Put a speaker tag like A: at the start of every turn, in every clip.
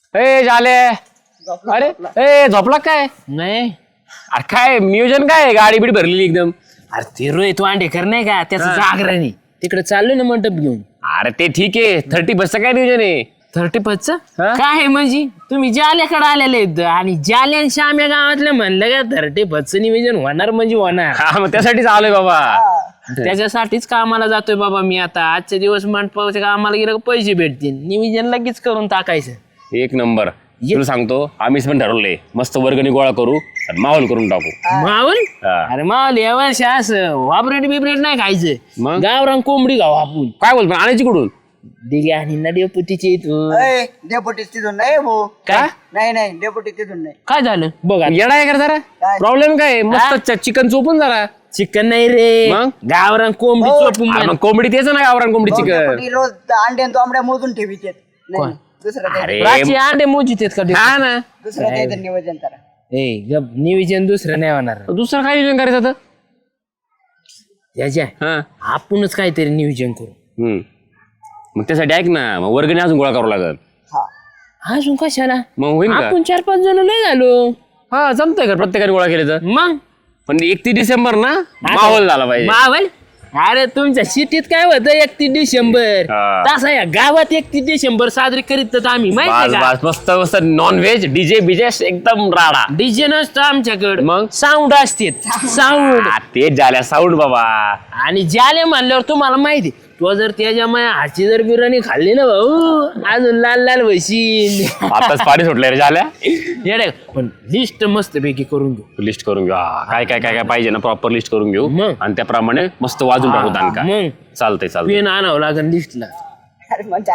A: ए झाले अरे ए झोपला काय
B: नाही
A: अरे काय नियोजन काय गाडी बीड भरलेली एकदम
B: अरे ते रोहित वांडेकर नाही का त्याचं जागराणी तिकडे चाललोय ना मंडप घेऊन.
A: अरे ते ठीक आहे 30 बसचं काय नियोजन आहे
B: 35च
A: हा?
B: काय आहे म्हणजे तुम्ही जाल्याकडे आलेले आहेत आणि जाल्या श्याम्या गावातलं म्हणलं का 35चं नियोजन होणार म्हणजे होणार.
A: हा मग त्यासाठीच आलोय बाबा
B: त्याच्यासाठीच कामाला जातोय बाबा मी आता. आजच्या दिवस मंडपाच्या कामाला गेलं का पैसे भेटतील नियोजन लगेच करून टाकायचं.
A: एक नंबर तुला सांगतो आम्हीच पण ठरवलंय मस्त वर्गणी गोळा करू आणि माहोल करून टाकू.
B: मावल
A: हा.
B: अरे मावल या वर्षी असं वाबरेट बिब्रेट नाही खायचं
A: मग?
B: गावरान कोंबडी खाऊ आपण.
A: काय बोलतो आणायची कुठून
B: दिघे आणि नडीपुतीचे इथून.
C: डेपुटी तिथून नाही भाऊ
B: काय
C: नाही डेपुटी तिथून नाही.
B: काय झालं बघा
A: येडा आहे का जरा
C: काय?
A: प्रॉब्लेम काय आहे? मस्त चिकन चोपून जरा
B: चिकन नाही रे
A: मग?
B: गावरान कोंबडी चोपून
A: अरे मग कोंबडी तेच ना गावरान कोंबडी चिकन
C: डेपुटी रोज अंडे आणि तांबड्या मोजून ठेवीत नाही दुसरं काही
A: अरे
B: रातची अंडे मोजित आहेत का
A: हा ना
C: दुसरं काही नियोजन करा.
B: ए गप नियोजन दुसरं नाही होणार
A: दुसरं काय नियोजन करायचं आता
B: त्याच्या
A: हा
B: आपणच काहीतरी नियोजन करू.
A: मग त्यासाठी ऐक ना मग वर्गणी अजून गोळा करावं लागल
C: हा
B: अजून कशाला
A: मग होईल का
B: आपण 4-5 जण लय झालो.
A: हा जमतंय का प्रत्येकाने गोळा केले तर
B: मग
A: पण 31 डिसेंबर ना माहोल झाला पाहिजे
B: मावल अरे तुमच्या सिटीत काय होतं 31 डिसेंबर
A: हा.
B: तसा या गावात 31 डिसेंबर साजरी करीत तर आम्ही
A: बस
B: माहिती का
A: बस मस्त मस्त नॉन व्हेज डीजे बिजे एकदम राडा
B: डीजे नसतं आमच्याकडे
A: मग?
B: साऊंड असते साऊंड.
A: ते झाल्या साऊंड बाबा
B: आणि ज्याले म्हणल्यावर तुम्हाला माहिती तो जर त्याच्या माया हाची जर बिर्याणी खाल्ली ना भाऊ अजून लाल लाल वशीन.
A: आताच पाणी सुटलंय रे झाल्या
B: येडे पण लिस्ट मस्त पैकी करून घेऊ.
A: लिस्ट करून घेऊ हा, काय काय काय काय पाहिजे ना प्रॉपर लिस्ट करून घेऊ
B: मग?
A: आणि त्याप्रमाणे मस्त वाजून टाकू दानका
B: मग?
A: चालतंय चालतंय
B: पेन आणावं लागेल लिस्टला.
C: अरे म्हणजे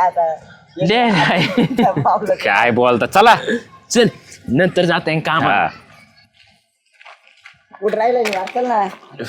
C: आता पावलं
A: काय बोलता चला
B: चल नंतर जाता काम.
A: हा.
C: कुठं राहिलं नाही वाचल ना.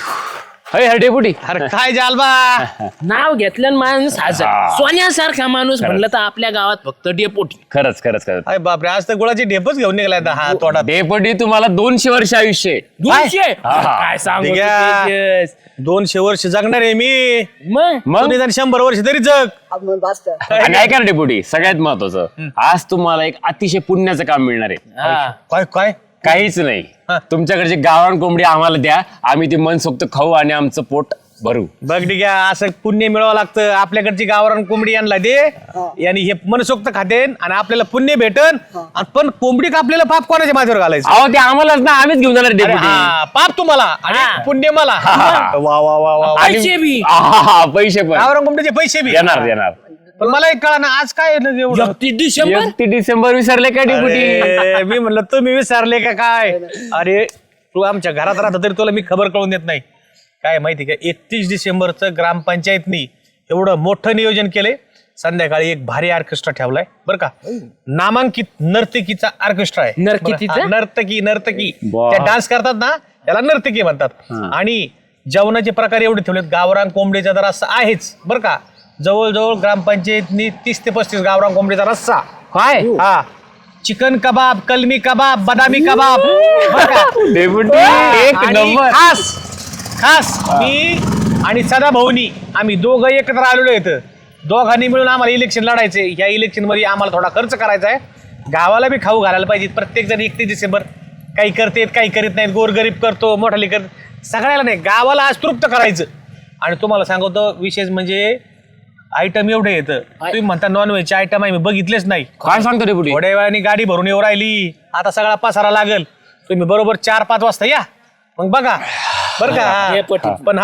A: हय डेपुटी
D: अरे काय जालबा
B: नाव घेतलं माणूस हजर सोन्यासारखा माणूस म्हणलं तर आपल्या गावात फक्त डेपोटी.
A: खरंच खरंच खरंच
D: अरे बापरे आज तर गुळाची ढेपच घेऊन निघालाय आता हा तोडा.
A: डेपुटी तुम्हाला 200 वर्ष आयुष्य आहे.
B: 200
A: हा.
B: काय सांगू
D: ठीक आहे.
B: तेजस.
D: 200 वर्ष जगणार आहे मी
B: मग
A: मग
D: निदान 100 वर्ष तरी जग.
C: आपण वाचत
A: आणि ऐका ना डेपुटी सगळ्यात महत्वाचं आज तुम्हाला एक अतिशय पुण्याचं काम मिळणार आहे
B: हा.
D: काय काय
A: काहीच नाही तुमच्याकडचे गावरान कोंबडी आम्हाला द्या आम्ही ती मनसोक्त खाऊ आणि आमचं पोट भरू.
D: बघ ठीक आहे असं पुण्य मिळवावं लागतं. आपल्याकडची गावरान कोंबडी आणला दे आणि हे मनसोक्त खातेन आणि आपल्याला पुण्य भेटन आणि पण कोंबडी आपल्याला पाप कोणाच्या माझ्यावर घालायचं.
A: अहो ते आम्हालाच ना आम्हीच घेऊन जाणार
D: अरे
A: डेपुटी
D: हा, पाप तुम्हाला आणि
B: हा.
D: पुण्य मला. वा वा वा वा.
A: आणि-
B: पैसे बी.
A: हा, पैसे पण
D: गावरान कोंबडीचे पैसे बी
A: देणार देणार
D: पण मला एक कळा ना आज काय आहे ना एवढं
B: 31 डिसेंबर
A: 31 डिसेंबर विसरले का डेपुटी
D: अरे, मी म्हणलं तुम्ही विसरले का काय. अरे तू आमच्या घरात राहता तरी तुला मी खबर कळून देत नाही. काय माहिती का 31 डिसेंबरचं ग्रामपंचायतनी एवढं मोठं नियोजन केलंय. संध्याकाळी एक भारी ऑर्केस्ट्रा ठेवलाय बरं का. नामांकित नर्तकीचा ऑर्केस्ट्रा आहे.
B: नर्तकीचा?
D: हा, नर्तकी
A: वा.
D: त्या डान्स करतात ना त्याला नर्तकी म्हणतात. आणि जेवणाचे प्रकार एवढे ठेवलेत. गावरान कोंबडीचा तर रस्सा आहेच बरं का. जवळजवळ ग्रामपंचायतनी 30 ते 35 गावरान कोंबडीचा रस्सा.
A: काय
D: हा चिकन कबाब कलमी कबाब बदामी कबाब बरं का.
A: डेपुटी एक
D: आणि
A: नंबर
D: खास मी आणि सदा भाऊनी आम्ही दोघं एकत्र आलेलो आहेत. दोघांनी मिळून आम्हाला इलेक्शन लढायचे. या इलेक्शन मध्ये आम्हाला थोडा खर्च करायचा आहे. गावाला बी खाऊ घालायला पाहिजे. प्रत्येक जण 31 डिसेंबर काही करतेत काही करीत नाहीत. गोरगरीब करतो मोठाली करत सगळ्याला नाही गावाला आज तृप्त करायचं. आणि तुम्हाला सांगतो विशेष म्हणजे आयटम एवढे येतं. तुम्ही म्हणता नॉनव्हेजचे आयटम आहे मी बघितलेच नाही.
A: काय सांगतो डेपुटी
D: थोड्या वेळाने गाडी भरून येऊ राहिली. आता सगळा पसारा लागल. तुम्ही बरोबर 4-5 वाजता या मग बघा बरं का. पण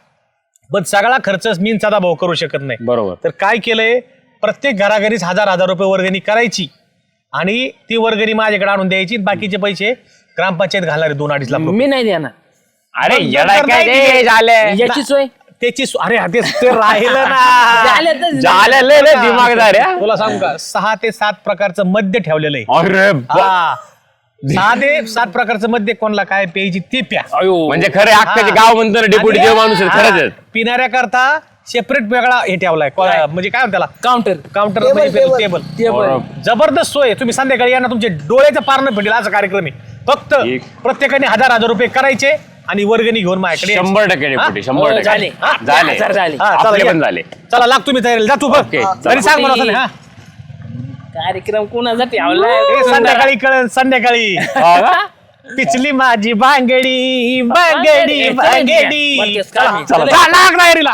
D: पण सगळा खर्च मी सदा भाऊ करू शकत नाही.
A: बरोबर
D: तर काय केलंय प्रत्येक घराघरीच 1000 रुपये वर्गणी करायची आणि ती वर्गणी माझ्याकडे आणून द्यायची. बाकीचे पैसे ग्रामपंचायत घालणारे 2-2.5 लाख रुपये.
B: मी नाही देणार
A: अरे
D: मग
A: येडा
D: जर
A: काय
D: नाही
A: ते
D: दिले-
A: झालंय
B: याची सोय
D: त्याची अरे ते राहिलं ना.
B: झालं तर
A: झालं लय लय दिमागदार आहे, हा.
D: तुला सांगू का 6 ते 7 प्रकारचं मद्य ठेवलेलं आहे.
A: अरे
D: हा 6 ते 7 प्रकारचं मद्य कोणाला काय प्यायची ते प्या.
A: म्हणजे खरे अख्खाचे गाव म्हणतो ना डेपुटी देव माणूस आहे, खरंच आहे.
D: पिणाऱ्याकरता सेपरेट वेगळा हे ठेवलाय म्हणजे काय म्हणतात त्याला काउंटर टेबल
B: टेबल
D: जबरदस्त सोय. तुम्ही संध्याकाळी या ना तुमचे डोळ्याचं पारणं भेटेल असा कार्यक्रम आहे. फक्त
A: ठीक.
D: प्रत्येकाने 1000 रुपये करायचे आणि वर्गणी घेऊन माझ्याकडे यायची.
A: 100% डेपुटी 100%
B: झाले.
D: हा?
A: झाले
B: झाले.
D: हा, चला,
A: आपले
D: या.
A: पण झाले.
D: चला लाग तुम्ही तयारी जा तू बघ
A: ओके,
D: तरी सांग मला
B: चला.
D: हा
B: कार्यक्रम कोणासाठी
D: हे संध्याकाळी कळन संध्याकाळी पिचली माझी बांगडी बांगडी बांगडी
A: चला
D: लाग डायरीला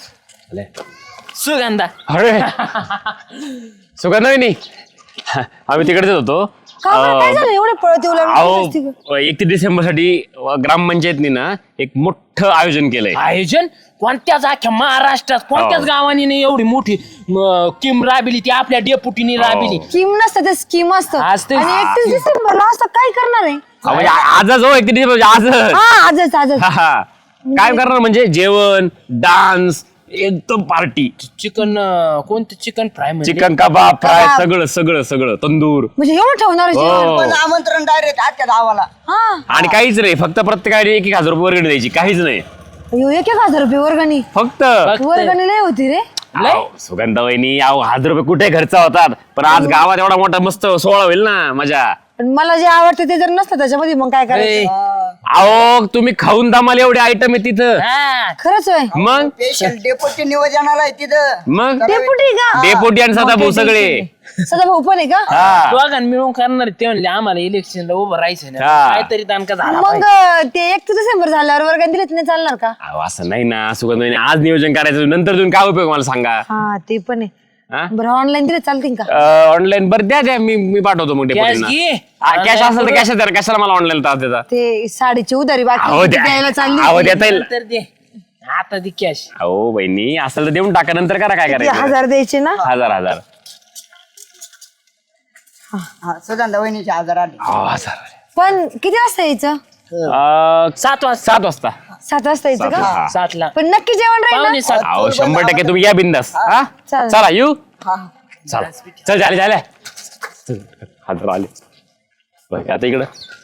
B: सुगंधा
A: अरे सुगंधा वहिनी आम्ही तिकडेच होतो
E: काय झालं एवढे पळत येऊ लागले
A: अहो 31 डिसेंबर साठी ग्रामपंचायतनी ना एक मोठं आयोजन केलंय.
B: आयोजन कोणत्याच अख्ख्या महाराष्ट्रात कोणत्याच गावाने नाही एवढी मोठी किम राबिली ती आपल्या डेपुटीने राबिली.
E: स्कीम नसतं ते स्कीम असतं
B: असते.
E: आणि 31 डिसेंबरला असं काय करणार आहे
A: अहो, म्हणजे आजच हो 31 डिसेंबर आजच.
E: हा आजच
A: हा. काय करणार म्हणजे जेवण डान्स एकदम पार्टी
B: चिकन कोणतं चिकन फ्राय म्हणजे
A: चिकन कबाब फ्राय सगळं सगळं सगळं तंदूर
E: म्हणजे एवढं ठेवणार आहे जेवण?
A: हो.
C: पण आमंत्रण डायरेक्ट आजच्या गावाला.
E: हा
A: आणि काहीच नाही फक्त प्रत्येकाने 1,000 रुपये वर्गणी द्यायची काहीच नाही
E: अयो, 1,000 रुपये वर्गणी
A: फक्त
E: वर्गणी लय होती रे.
A: अहो, सुगंधा वहिनी अहो 1,000 रुपये कुठे खर्च होतात पण आज गावात एवढा मोठा मस्त सोहळा होईल ना मजा.
E: पण मला जे आवडते ते जर नसतं त्याच्यामध्ये मग काय करायचं
A: अहो तुम्ही खाऊन दामाल एवढे आयटम आहे तिथं
B: हा.
E: खरंच होय
A: मग
C: स्पेशल डेपोटी नियोजनाला आहे तिथं.
A: मग
E: डेपुटी का
A: डेपोटी आणि सदाभाऊ सगळे
E: सदा भाऊ पण आहे का
A: हा
B: दोघांना मिळून करणार ते म्हणले आम्हाला इलेक्शनला उभं राहायचं ना
A: हा.
B: काहीतरी दानका झाला
E: मग ते 31 डिसेंबर झाल्यावर वर्गणी दिली नाही चालणार का
A: अहो, असं नाही ना सुगंधा वहिनी आज नियोजन करायचं नंतर तुम्ही काय उपयोग मला सांगा.
E: हा ते पण आहे
A: हा?
E: बरं ऑनलाईन दिले चालतील का
A: ऑनलाईन बरं द्या मी पाठवतो मग
B: कॅश
A: डेपोटींना.
B: घे
A: कॅश असेल तर कॅश द्या कशाला मला ऑनलाईन त्रास देता.
E: ते साडीची उधारी
A: अहो
E: बाकी
A: द्या
E: द्यायला चालली
A: अहो देता येईल
B: नंतर दे आता दे कॅश
A: अहो बहिणी असेल तर देऊन टाका नंतर करा काय
E: ते
A: करायचं
E: 1000 द्यायचे ना
A: हजार
C: हा, सुगंधा वहिनीचे आजार आले.
A: हजार
E: पण किती वाजता यायचं
B: 7 वाजता
A: 7 वाजता
E: 7 वाजता यायचं का
A: हा.
B: 7ला
E: पण नक्की जेवण राहील ना?
B: पावणे 7
A: अहो 100% तुम्ही या बिंदास हा
E: चालेल.
A: चला येऊ
C: हा.
A: चला चल झाले हजार आले बरं, आता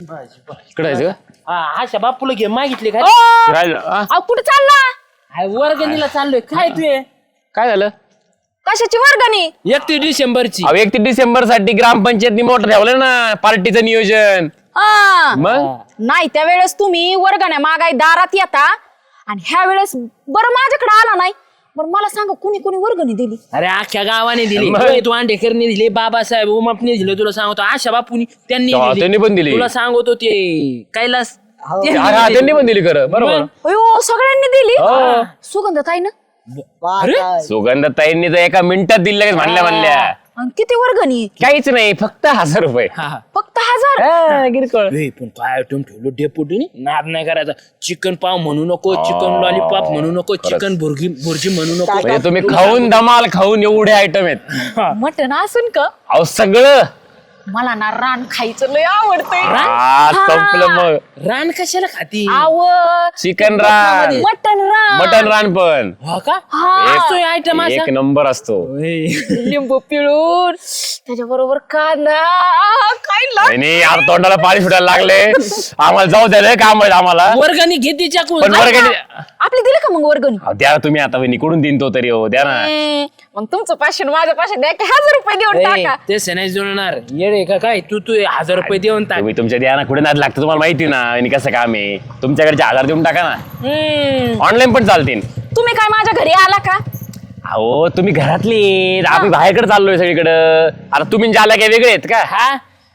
A: इकडं जायचं का
B: अशा बापूला घे मागितले काय
A: राहिलं, हा?
E: अहो, कुठे चालला
B: वर्गणीला चाललोय काय तू
A: काय झालं
E: कशाची वर्गणी
B: 31 डिसेंबरची
A: अहो 31 डिसेंबर साठी ग्रामपंचायतनी मोठं ठेवलं ना पार्टीचं नियोजन
E: हा
A: मग
E: नाही त्यावेळेस तुम्ही वर्गण्या मागाय दारात येता आणि ह्या वेळेस बरं माझ्याकडे आला नाही बरं मला सांगा कुणी कुणी वर्गणी दिली
B: अरे अख्ख्या गावाने दिली
A: मग?
B: रोहित वांडेकरने दिली बाबासाहेब उमापने दिले तुला सांगतो आशा बापूनी त्यांनी
A: तेव्हा त्यांनी पण दिली.
B: तुला सांगतो ते कैलास त्यांनी
A: हा
B: दिली.
A: त्यांनी पण दिली खरं बरोबर
E: अयो सगळ्यांनी दिली
A: हो.
E: सुगंधताई ना
C: पाहताय.
A: सुगंधताईंनी तर एका मिनिटात दिली लगेच म्हणल्या
E: आणि किती वर्गणी
A: काहीच नाही फक्त 1000 रुपये
B: हा.
E: फक्त 1000
A: हा, किरकोळ.
B: ए, पण काय आयटम ठेवलं डेपुटीने नाद नाही करायचा चिकन पाव म्हणू नको चिकन लॉलीपॉप म्हणू नको चिकन भुर्जी म्हणू नको
A: म्हणजे तुम्ही खाऊन दमाल खाऊन एवढे आयटम आहेत
E: मटण असून का
A: अहो सगळं
E: मला ना रान खायचं लय आवडतंय
A: हा, संपलं मग
B: रान कशाला खाती
E: आव
A: चिकन रान
E: मटण रान
A: मटन रान पण
B: हो का
E: हा.
B: असतोय आयटम असा
A: एक नंबर असतो
E: लिंबू पिळून त्याच्या बरोबर कांदा काय
A: आणि आता तोंडाला पाणी सुटायला लागले आम्हाला जाऊ द्या काम आहे आम्हाला
B: वर्गाने घेते चाकून
A: पण वर्गणी
E: आपली दिली का मग वर्गणी
A: अहो, द्या तुम्ही आता वहिनी कुठून देईन तो तरी हो द्या ना
E: मग तुमचं पाचशे माझ्या पाचशे द्या की 1000 रुपये देऊन टाका
B: ते नाही जुळणार येडे का काय तू 1000 रुपये देऊन टाक
A: तुम्ही तुमच्या द्या ना कुठे नाद लागतं तुम्हाला माहिती ना आणि कसं काम आहे तुमच्याकडचे 1000 देऊन टाका ना ऑनलाईन पण चालतील
E: तुम्ही काय माझ्या घरी आला का
A: अहो तुम्ही घरातली आम्ही बाहेरकडे चाललोय सगळीकडं आता तुम्ही ज्याला काय वेगळे आहेत का
B: हा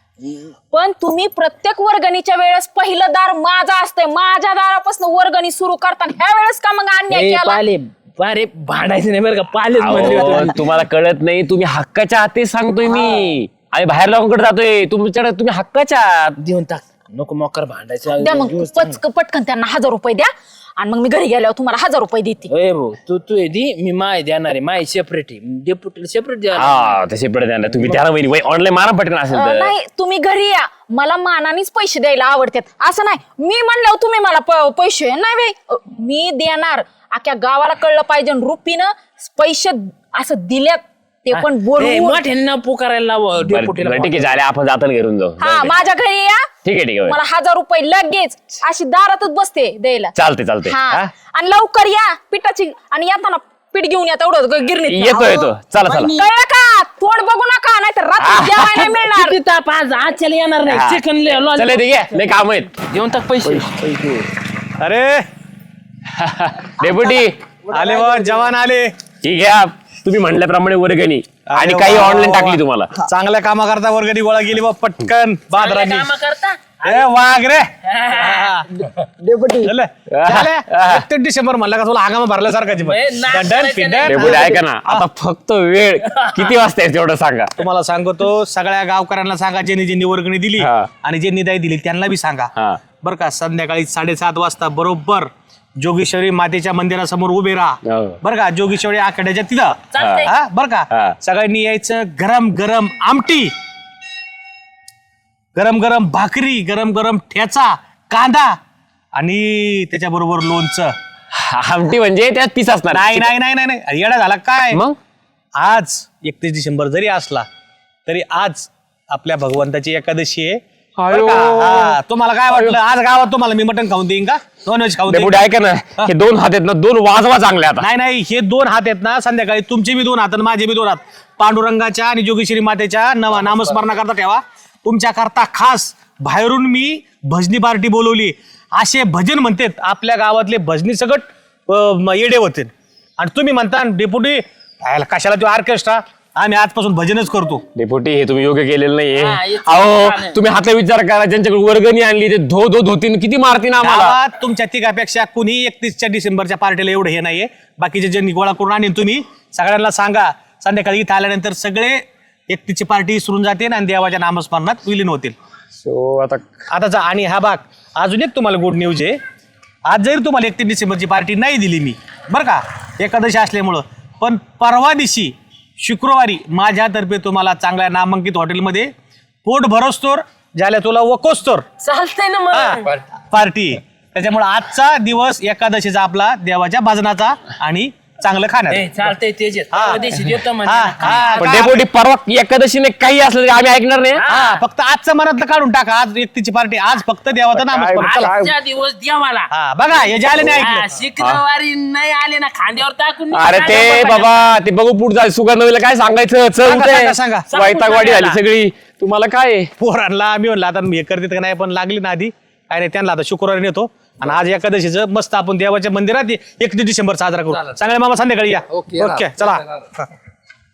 E: पण तुम्ही प्रत्येक वर्गणीच्या वेळेस पहिलं दार माझा असतंय माझ्या दारापासून वर्गणी सुरू करताना ह्या वेळेस का मग अन्याय केला
B: पाले अरे भांडायचं नाही बरं का पालेच म्हणले
A: अहो,
B: होते.
A: तुम्हाला कळत नाही तुम्ही हक्काच्या हाती सांगतोय मी आणि बाहेर लोकांकडे जातोय तुमच्याकडे तुम्ही हक्काच्या आहात.
B: देऊन टाक नको मोकर भांडायचं
E: द्या मग पटकन त्यांना 1000 रुपये द्या आणि मग मी घरी गेल्यावर तुम्हाला 1000 रुपये देते
B: ए भाऊ तू दी मी माय देणार आहे माय सेपरेट आहे डेप्युटीला सेपरेट द्या
A: हा तसे पडत नाही तुम्ही त्याला वहिनी ऑनलाईन मारा पटकन असेल तर
E: नाही तुम्ही घरी या मला मानानेच पैसे द्यायला आवडतात असं नाही मी म्हणल्यावर तुम्ही मला पैसे नाही बाई मी देणार अख्ख्या गावाला कळलं पाहिजे रुपीनं पैसे असं दिल्यात ते पण बोलून
B: मोठ्यांना पुकारायला लाव
A: बरं,
B: डेप्युटीला
A: बरं, ठीक आहे झाले आपण जाताना घेऊन जाऊ
E: हा
A: जाऊ दे.
E: माझ्या घरी या
A: ठीक आहे
E: मला 1000 रुपये लगेच अशी दारातच बसते द्यायला
A: चालते
E: हा
A: हा?
E: आणि लवकर या पिठाची आणि येताना पीठ घेऊन या तेवढं गिरणीत
A: येतो चला
E: कळलं का तोंड बघू नका नाहीतर रात्री जेवायला मिळणार
B: किती ताप आज आजच्याला येणार नाही
A: हा.
B: चिकन
A: चला ठीक आहे लय काम आहेत
B: देऊन टाक पैसे
D: अरे
A: डेप्युटी
D: आले बा जवान आले
A: ठीक आहे तुम्ही म्हणल्याप्रमाणे वर्गणी आणि काही ऑनलाईन टाकली तुम्हाला.
D: चांगल्या कामाकरता वर्गणी गोळा केली बा पटकन बादरांनी.
B: काम करता
D: ए वाघ रे
C: डेपुटी
D: झालं? झालं? 31 डिसेंबर म्हणलं का तुला हंगामा भरल्यासारखाची पण.
B: ए, नाच
D: दंडन,
B: करायचं
D: पिंडन.
A: डेपुटी ऐका ना, आता फक्त वेळ किती वाजता आहे तेवढं सांगा.
D: तुम्हाला सांगतो सगळ्या गावकऱ्यांना सांगा ज्यांनी ज्यांनी वर्गणी दिली
A: हा.
D: आणि ज्यांनी नाही दिली त्यांना बी सांगा
A: हा.
D: बरं का. संध्याकाळी 7:30 वाजता बरोबर जोगेश्वरी मातेच्या मंदिरासमोर उभे राहा.
A: हो.
D: बरं का. जोगेश्वरी आखाड्याच्या तिथं
B: चालतंय.
D: हा, बरं का.
A: हा.
D: सगळ्यांनी यायचं. गरम गरम आमटी, गरम गरम भाकरी, गरम गरम ठेचा, कांदा आणि त्याच्याबरोबर लोणचं.
A: आमटी म्हणजे त्यात पीस असणार.
D: नाही नाही नाही नाही नाही येडा झाला काय.
A: मग
D: आज 31 डिसेंबर जरी असला तरी आज आपल्या भगवंताची एकादशी आहे. बरं का? हा, तुम्हाला काय वाटलं आज गावात तुम्हाला मी मटण खाऊन देईन का, नॉनव्हेज खाऊन देईन
A: डेपुटी ऐका ना, हे 2 हात आहेत ना, 2 वाजवा चांगले आता.
D: नाही नाही हे 2 हात आहेत ना, संध्याकाळी तुमचे बी 2 हात आणि माझे बी 2 हात पांडुरंगाच्या आणि जोगेश्वरी मातेच्या नामस्मरणाकरता ठेवा. तुमच्या करता खास बाहेरून मी भजनी पार्टी बोलवली. असे भजन म्हणतात आपल्या गावातले भजनी सगट येडे होते आणि तुम्ही म्हणता डेपुटी कशाला तो ऑर्केस्ट्रा, आम्ही आजपासून भजनच करतो.
A: डेपुटी हे तुम्ही योग्य केलेलं नाहीये.
B: हा, हे
A: अहो
B: छान आहे.
A: तुम्ही हातला विचार करा, ज्यांच्याकडे वर्गणी आणली ते धोतीन किती मारतीन आम्हाला.
D: गावात तुमच्या तिघापेक्षा कुणी 31 डिसेंबरच्या पार्टीला एवढं हे नाहीये. बाकीचे ज्यांनी गोळा करून आणीन तुम्ही सगळ्यांना सांगा. संध्याकाळी इथं आल्यानंतर सगळे 31ची पार्टी सुरून जाते आणि देवाच्या नामस्मरणात विलीन होतील.
A: सो आता
D: जा. आणि हा भाग अजून एक तुम्हाला गुड न्यूज आहे. आज जरी तुम्हाला 31 डिसेंबरची पार्टी नाही दिली मी बरं का एकादशी असल्यामुळं, पण परवा दिवशी शुक्रवारी माझ्यातर्फे तुम्हाला चांगल्या नामांकित हॉटेलमध्ये पोट भरोस्तोर झाल्या तुला वकोस्तोर
B: चालतंय ना मग.
D: पार्टी. त्याच्यामुळे आजचा दिवस एकादशीचा आपला देवाच्या भजनाचा आणि चांगलं खाण्यात.
B: ए, चालतंय तेच
D: हा.
B: देतो म्हणजे
D: हा,
B: ना.
D: हा,
A: पण
D: का?
A: डेपुटी परवा एकादशीने काही असलं तरी आम्ही ऐकणार नाही.
D: हा, फक्त आजचं मनातलं काढून टाका. आज व्यक्तीची पार्टी, आज फक्त देवाचं नामस्मरण. चला.
B: आजच्या दिवस देवाला
D: हा बघा हे जे आले नाही
B: हा,
D: ऐकलं.
B: शुक्रवारी नाही आले ना खांद्यावर टाकून
A: अरे ते बाबा ते बघू पुढे जाय सुगंधवीला काय सांगायचं. चल
D: सांगा, सांगा.
A: वैतागवाडी झाली सगळी. तुम्हाला काय आहे?
D: पोरांना आम्ही म्हणलं आता हे करते का नाही, पण लागली ना आधी काय नाही. त्यांना आता शुक्रवारी नेतो आणि आज एकादशीचं मस्त आपण देवाच्या मंदिरात 31 डिसेंबर साजरा करू. चांगले मामा संध्याकाळी या. ओके चला.